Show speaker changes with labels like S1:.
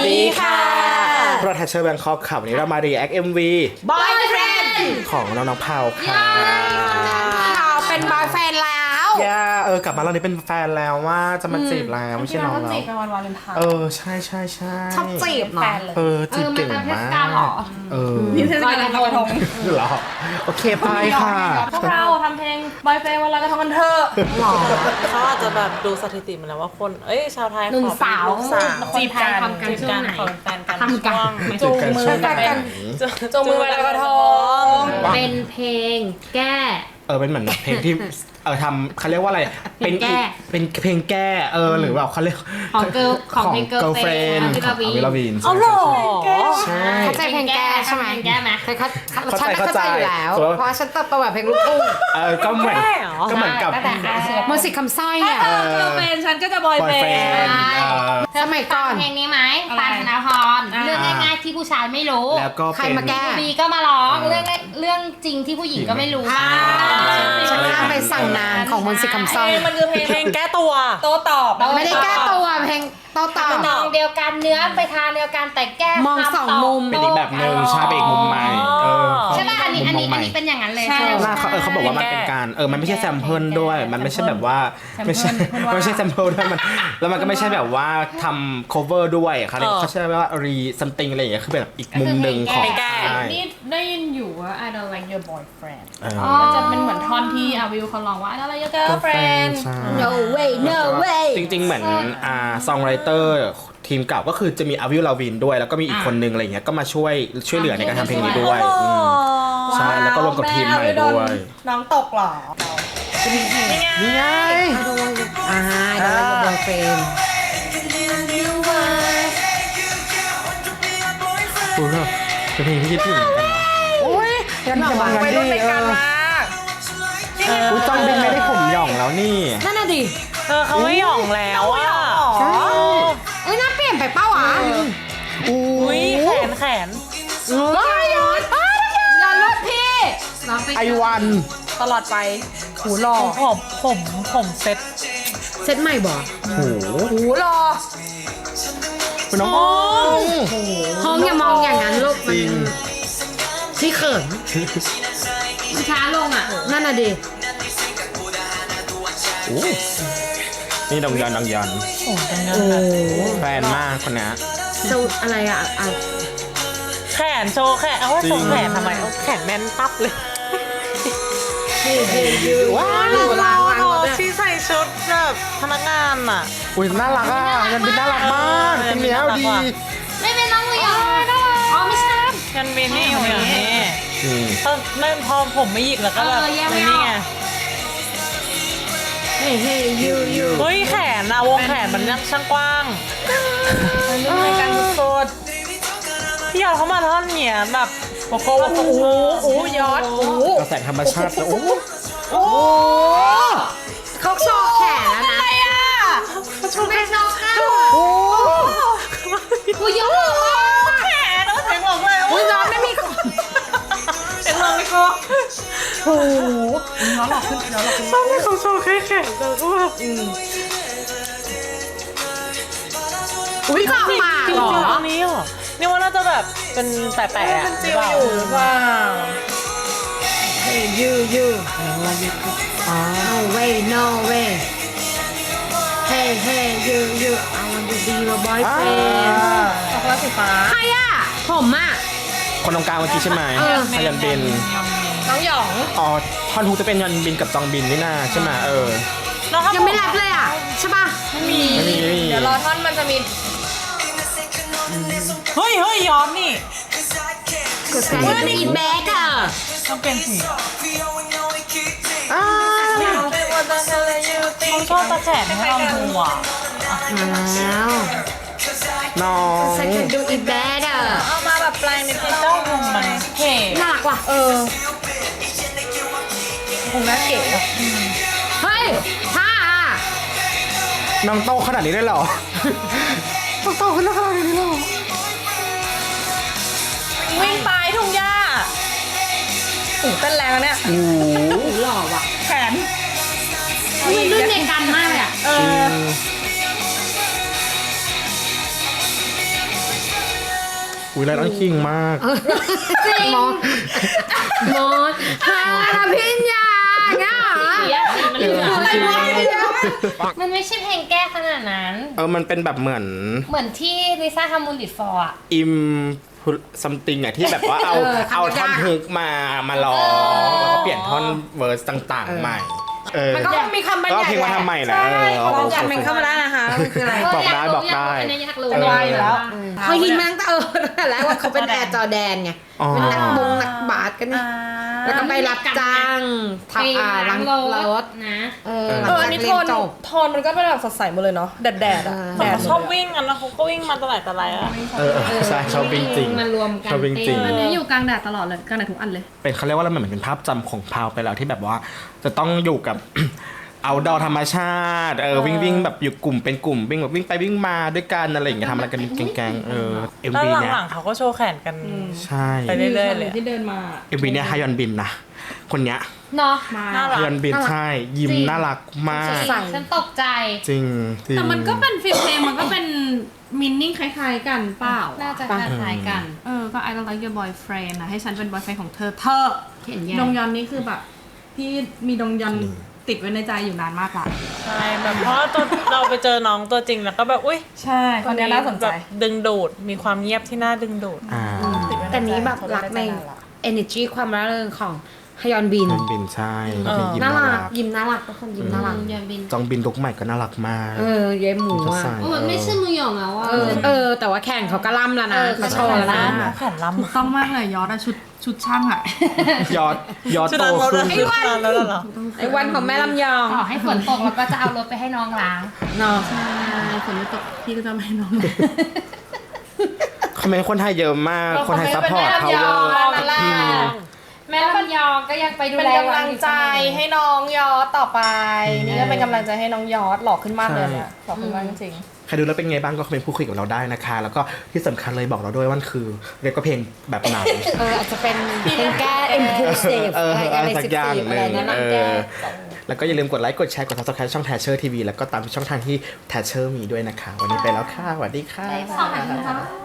S1: ดีค่ะ
S2: โปรแทชเชอร์แบงคอกค่ะวันนี้เรามา react MV
S1: Boyfriend
S2: ของน้องๆเผาค่ะ
S1: เราเป็นบอยแฟนแล้ว
S2: กลับมาเรานี้เป็นแฟนแล้วว่าจะมาจีบแล้วไม่ใช่น้องแล้ว
S3: จีบเป็นวันวาเลนไทน์
S2: ใช่ใช่ใช่
S1: ชอบจีบเนาะ
S2: จีบเก่งมาก
S3: มีเทศกาลลอยกระทง
S2: เหรอโอเคไปค่ะ
S3: พวกเราทำเพลงบอยแฟนวันลอยกระทงกันเถอะ
S1: หรอ
S4: เขาอาจจะแบบดูสถิติมาแล้วว่าคนชาวไทย
S1: หนุ่มสาว
S3: จีบกันทำกันช่วงไหน
S4: ขอเป็นแฟนกัน
S1: ทำกัน
S4: ช่วง
S2: จูงมือกัน
S4: จูงมือไปลอยกระทง
S5: เป็นเพลงแก้
S2: เป็นเหมือนเพลงที่ทำเขาเรียกว่าอะไรเป็นเพลงแก้หรือแบบเขาเรียก
S5: ของเกิร์ลของเพลง
S2: Girlfriend
S5: ของวิลาวี
S2: เอาหรอใช่
S1: เข้าใจเพลงแก้ใช่ไหม
S5: เพลงแก้ไหม
S1: ฉันเข้าใจอยู่แล้วเพราะฉันเติบโตแบบเพลงลูกทุ่ง
S2: ก็เหมือนกับ
S1: มนต์สิทธิ์คำสร้อยเนี่ย
S3: เธอเป็นฉันก็จะบอยแฟน
S1: สมัยก่อน
S5: เพลงนี้ไหมปานธนพรเรื่องง่ายๆที่ผู้ชายไม่รู้
S2: แล้วก็
S1: ใครมาแก้
S5: บีก็มาร้องเรื่องจริงที่ผู้หญิงก็ไม่รู้
S1: ฉันข้ามไปสั่งนานของมนต์สิทธิ์คำสร้อย
S4: มันคือเพลงแก้ตัว
S3: โตตอบ
S1: ไม่ได้แก้ตัวเพลงโตต่อ
S5: มองเดียวกันเนื้อไปทางเดียวกันแต่แก้
S1: มองสองมุม
S2: เป็นอีกแบบหนึ่งใช่เป็นอีกมุมใหม่
S5: ใช่ป่ะอันนี้เป็นอย่างนั้นเลย
S2: เขาบอกว่ามันเป็นการมันไม่ใช่แซมเพิลด้วยมันไม่ใช่แบบว่าไม่ใช่แซมเพิลด้วยมันแล้วมันก็ไม่ใช่แบบว่าทำ cover ด้วยเขาใช้ว่า re something อะไรอย่างเงี้ยคือแบบอีกมุมหนึ่งของ
S3: นี่ได้ยินอยู่ว่า I don't like your boyfriend มันจะเป็นเหมือนท่อนที่อาวิวเขาร้องว่า I don't like your girlfriend
S1: no way no way
S2: จริงๆเหมือนซองไรเตอร์ทีมเก่าก็คือจะมีอาวิลลาวินด้วยแล้วก็มีอีกคนนึงอะไรเงี้ยก็มาช่วยเหลือในการทำเพลงนี้ด้วยใช่แล้วก็รวมกับทีมใหม่ด้วย
S3: น้องตกหรอ
S2: นี่ไง
S1: โดนบอยเฟรน
S2: เป็นเพลงที่คิดถึงกันนะโอ้ยยันจะบังกันดิอุ้ยจองบินไม่ได้ผมหย่องแล้วนี่
S1: นั่นน่ะดิ
S4: เขาไม่หย่องแล้วอ่ะ
S2: ใช่
S1: น่าเปลี่ยนไปเป้าอ่ะ
S4: อุ้ยแขน
S1: ย้อนรถพี่
S2: ไอวัน
S3: ตลอดไป
S1: หูรอ
S4: ผมเซ็ต
S1: เซตใหม่บ่
S2: หู
S1: รอ
S2: คุณน้อง
S1: ห้องอย่ามองอย่างนั้นลูก
S2: จริง
S1: พี่เขิน
S5: ช้าลงอ่ะ
S1: นั่นน่ะดิ
S2: นี่ดองยัน
S1: โอ้
S2: แฟนมากคนนี้
S1: สูตรอะไรอ่ะ
S4: แขนโชว์แขนเอาว่าโชว์แขนทำไมเอาแขนแน่นตับเลย
S1: ว้าวหนูล้างรถ
S4: ที่ใส่ชุดแบบพนักงานอ่ะ
S2: อุ้ยน่ารักยันบินน่ารักมากเป็นเนี้ยดี
S5: ไม่เป็นน้องเลยอ๋อไม่ใช่
S4: กันบินนี่อยู่อย่างนี้ไม่พอผมไม่หยิกแล้วก็แบบนี่ไง
S1: เฮ้ยยู
S4: เฮ้ยแขนอะวงแขนมันช่างกว้างในการโคตรพี่ยอดเขามาท่อนเนี่ยแบบโอ้โหยอด
S2: กระแสธรรมชาติโอ้
S1: เขาโชว์แขนแล้วนะ
S5: ไม่ชอบค่ะ
S2: โห
S5: กูยก
S4: แขนแล้วเสียงหลงเลย
S1: อุ้ยย้อนไม่มี
S4: เสียงหลงเลยกู
S1: โอ้โห
S4: ชอบให้เขาโชว์แค่แขนแต่ก็แบบ
S1: อุ้ยก็มา
S4: จริง
S1: เหรอ
S4: ๆตรงนี้เหรอนี่ว่าน่าจะแบบเป็นแปะๆอะหรือเปล่า
S1: ยู no way no way hey hey you I want to be your boyfriend
S3: ช็อกโกแลตสีฟ้า
S1: ใครอ่ะผมอ่ะ
S2: คนตรงกลางเมื่อกี้ใช่ไหมพยันบิน
S3: น้องหยอง
S2: ท่อนฮุกจะเป็นยันบินกับจองบินนี่นาใช่ไหม
S1: ยังไม่รับเลยอ่ะใช่ป่ะ
S3: ไม่มีเดี๋ยวรอท่อนมันจะมี
S4: เฮ้ยย้อนนี่
S1: กดการดูอินแบ็กอ่ะ
S4: ต้องเป็นสีเขาชอบตะแขนให้เราดูอ่ะ
S1: มาแล้ว
S2: น้อง
S1: ใส่กันดูอินแบ็กอ่ะ
S3: เอามาแบบปลายในเพลง
S4: เจ้าหนุ่มมันเท่
S1: น่ารักว่ะ
S3: คงน่าเก๋
S1: เฮ้ยท่า
S2: น้องโตขนาดนี้ได้หรอน้องโตขนาดนี้ได้หรอ
S3: วิ่งไปทุ่งหญ้าเต้นแรงแล้วเนี่ย
S2: โอ้
S1: หล่อว่ะ
S3: แขน
S5: มันรุ่นเดียวกันมากเลยอ่ะ
S2: จอุ้ยไลออนคิงมาก
S1: มอสฮาพิญญาเงี้ย
S3: สีมันเหลือง
S5: มันไม่ใช่เพลงแก้ขนาดนั้น
S2: มันเป็นแบบเหมือน
S5: เหมือนที่ลิซ่าทำมูลิตฟอร์อะ
S2: อิมซัมติงอะที่แบบว่าเอาท่อนฮุกมาร้องแล้วก็เปลี่ยนท่อนเวอร์สต่างๆใหม่
S4: มันก็มีคำบรร
S2: ก็
S4: ยาย
S2: เพลงมาทำใหม่แหละ
S4: ลองจัดเพลงเข้ามาได้นะคะมันคืออะไร
S2: บอกได้บอกได้
S3: อันนี้อยากรู้
S4: เป็นไรอยู่แล้ว
S1: เขาฮิตมาตั้งแต่แล้วว่าเขาเป็นแอร์จอแดนไงเป็นนักบาสกันนี่แล้วก็ไปรับจ้างทำล้างรถ
S3: นะ
S1: หลัง
S4: อั
S1: จาน ก
S4: นี้
S1: เรียนจบ
S4: โทนมันก็เป็นแบบสดใสหมดเลยเนาะแดดๆอะแดดชอบวิ่งกันนะเขาก็วิ่งมาตลอดอะ
S2: ใช่ชอบวิ่งจริง
S3: มันรวมกัน
S2: ชอบวิ่งจริง
S3: อันนี้อยู่กลางแดดตลอดเลยกลางแดดทุกอันเลย
S2: เป็นเขาเรียกว่าอะไรเหมือนเป็นภาพจำของพาวไปแล้วที่แบบว่าจะต้องอยู่กับ เอาดอธรรมชาติวิ่งแบบอยู่กลุ่มเป็นกลุ่มวิ่งแบบวิ่งไปวิ่งมาด้วยกันอะไรอย่างเงี้ยทำอะไรกันแกงๆเอ็ม
S4: แล้ว
S2: วีเนี่ย
S4: หลังๆเขาก็โชว์แขนกัน
S2: ใช่
S4: ไปเรื่อยๆเลย
S3: ที่เดินมา
S2: เอ็มวีเนี่ยฮายอนบินนะคนเนี้ย
S5: เนาะ
S3: มา
S4: น่ารั
S2: ฮายอนบินใช่ยิ้มน่ารักมาก
S5: ฉันตกใจ
S2: จริงจริง
S3: แต่มันก็เป็นฟิลเพลงมันก็เป็นมินนิ่งคล้ายๆกันเปล่า
S5: น่าจะคล้ายๆกัน
S3: ก็ I don't like your boyfriend นะให้ฉันเป็น boyfriend ของเธอ
S1: เขียนแย่
S3: ดงยอนนี่คือแบบพี่มีดงยอนติดไว้ในใจอยู่นานมากละ
S4: ใช่แบบเพราะเราไปเจอน้องตัวจริงแล้วก็แบบอุ้ย
S3: ใช่คนนี้น่าสนใจ
S4: แบบดึงดูดมีความเงียบที่น่าดึงดูด
S1: แต่นี้แบบรักใน energy ความร่าเริงของฮยอนบิน
S2: ฮายอนบินใช่ยิ้ม
S1: น่า
S2: น่า
S1: รั
S2: รั
S1: ก
S2: ก
S1: ยิ้มน่ารักทุกคนยิ้มน่ารัก
S5: ยอนบิน
S2: จองบินลุกใหม่ก็น่ารักมาก
S1: เย้หมูอ่ะ
S2: ใส่
S5: มันไม่ใช่มือหยองแล้วอ่ะ
S1: แต่ว่าแข่งเขาก็ล่ำแล้วนะเขาโชว์แล้วนะ
S4: แขนล้ำ
S3: ถูกต้องมากเลยยอดอะชุดช่างอะ
S2: ยอด
S4: ชุด
S2: โต
S4: นั้นรถ
S2: ขึ้น
S4: ไอ้วันแล้วเหรอ
S1: ไอ้วันของแม่ลำยอง
S5: ต่อให้ฝนตกเราก็จะเอารถไปให้น้องล้าง
S1: เนาะ
S3: ใช่ฝนไม่ตกพี่ก็จะไม่ให้น้อง
S2: คอมเมนต์คนไทยเยอะมากคนไทยซัพพอร์ตเขาเวอร์
S5: แม่ลำยองก็ยังไปดู
S4: เป็น
S5: แล
S4: กำลังใจให้น้องยอดต่อไป นี่ก็เป็นกำลังใจให้น้องยอดหล่อขึ้นมากเลยเนี่ยหล่อขึ้นมากจริง
S2: ใครดูแล้วเป็นไงบ้างก็คอมเมนต์พูดคุยกับเราได้นะคะ แล้วก็ที่สำคัญเลยบอกเราด้วยว่ามันคือเรียกว่าเพลงแบบไหน
S1: อาจจะเป็นเพลงแก้ impulsive อะไร
S2: สักอย่างห
S1: อะไร
S2: นึ่ง
S1: แนะนำแก้
S2: แล้วก็อย่าลืมกดไลค์กดแชร์กด subscribe ช่อง Thatcher TV แล้วก็ตามช่องทางที่ Thatcher มีด้วยนะคะ วันนี้ไปแล้วค่ะสวัสดีค่ะ
S5: 2 นาทีค่ะ